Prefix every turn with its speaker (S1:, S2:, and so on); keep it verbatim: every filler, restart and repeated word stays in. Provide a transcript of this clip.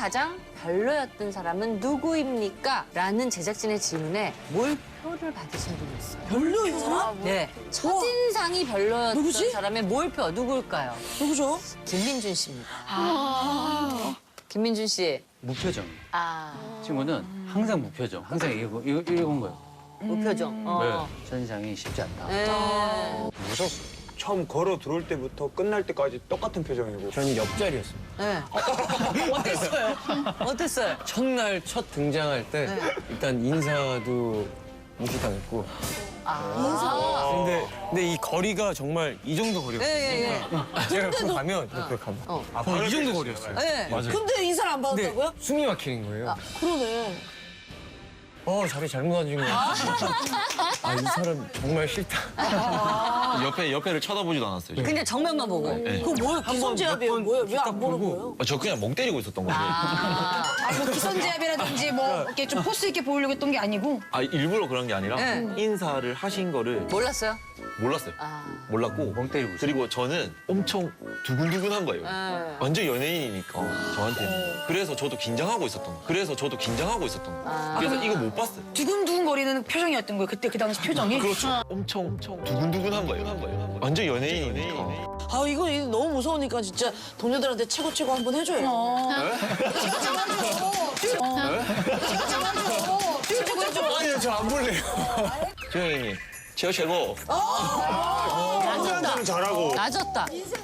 S1: 가장 별로였던 사람은 누구입니까? 라는 제작진의 질문에 몰표를 받으신 분이 있어요.
S2: 별로 이 사람?
S1: 네. 첫인상이 별로였던
S2: 누구지?
S1: 사람의 몰표 누굴까요?
S2: 누구죠?
S1: 김민준 씨입니다. 아. 김민준 씨.
S3: 무표정.
S1: 아.
S3: 친구는 항상 무표정. 항상 이거, 이거, 이건 거예요.
S1: 무표정. 어.
S3: 네. 첫인상이 쉽지 않다.
S1: 네.
S4: 무섭어. 처음 걸어 들어올 때부터 끝날 때까지 똑같은 표정이고.
S5: 저는 옆자리였어요.
S1: 네. 어땠어요? 어땠어요?
S5: 첫날 첫 등장할 때
S1: 네.
S5: 일단 인사도 무시당했고.
S1: 아.
S5: 근데 근데 이 거리가 정말 이 정도 거리였어요.
S1: 예, 예, 예.
S5: 제가 그 가면 이렇게 가면
S1: 어.
S5: 아, 거의 이 정도 거리였어요.
S1: 네.
S5: 맞아요.
S2: 근데 인사를 안
S5: 근데
S2: 받았다고요?
S5: 숨이 막히는 거예요.
S2: 그러네.
S5: 어 자리 잘못 앉은 거 같아. 아 이 사람 정말 싫다.
S6: 옆에 옆에를 쳐다보지도 않았어요. 저.
S1: 그냥 정면만 보고.
S2: 그거 뭐예요? 기선제압이에요? 뭐예요? 왜 안 보는 거예요?
S6: 아, 저 그냥 멍 때리고 있었던 거지.
S1: 아.
S7: 아, 뭐 기선제압이라든지 뭐 이렇게 좀 포스 있게 보이려고 했던 게 아니고
S6: 아 일부러 그런 게 아니라
S1: 네.
S6: 인사를 하신 거를
S1: 몰랐어요?
S6: 몰랐어요.
S1: 아.
S6: 몰랐고
S3: 멍 때리고 있어요.
S6: 그리고 저는 엄청 두근두근한 거예요.
S1: 네.
S6: 완전 연예인이니까 저한테는. 그래서 저도 긴장하고 있었던 거. 그래서 저도 긴장하고 있었던 거.
S1: 아.
S6: 그래서 이거 못 봤어요.
S7: 두근두근거리는 표정이었던 거예요. 그때 그 당시 표정이.
S6: 그렇죠. 엄청 엄청 두근두근한 거예요. 한 거예요. 완전 연예인이니까.
S2: 아 이거, 이거 너무 무서우니까 진짜 동료들한테 최고 최고 한번 해줘요.
S7: 어.
S5: 아니요 저 안 볼래요.
S6: 조영이님 최고 최고.
S4: 항상 잘하고.
S1: 낮았다.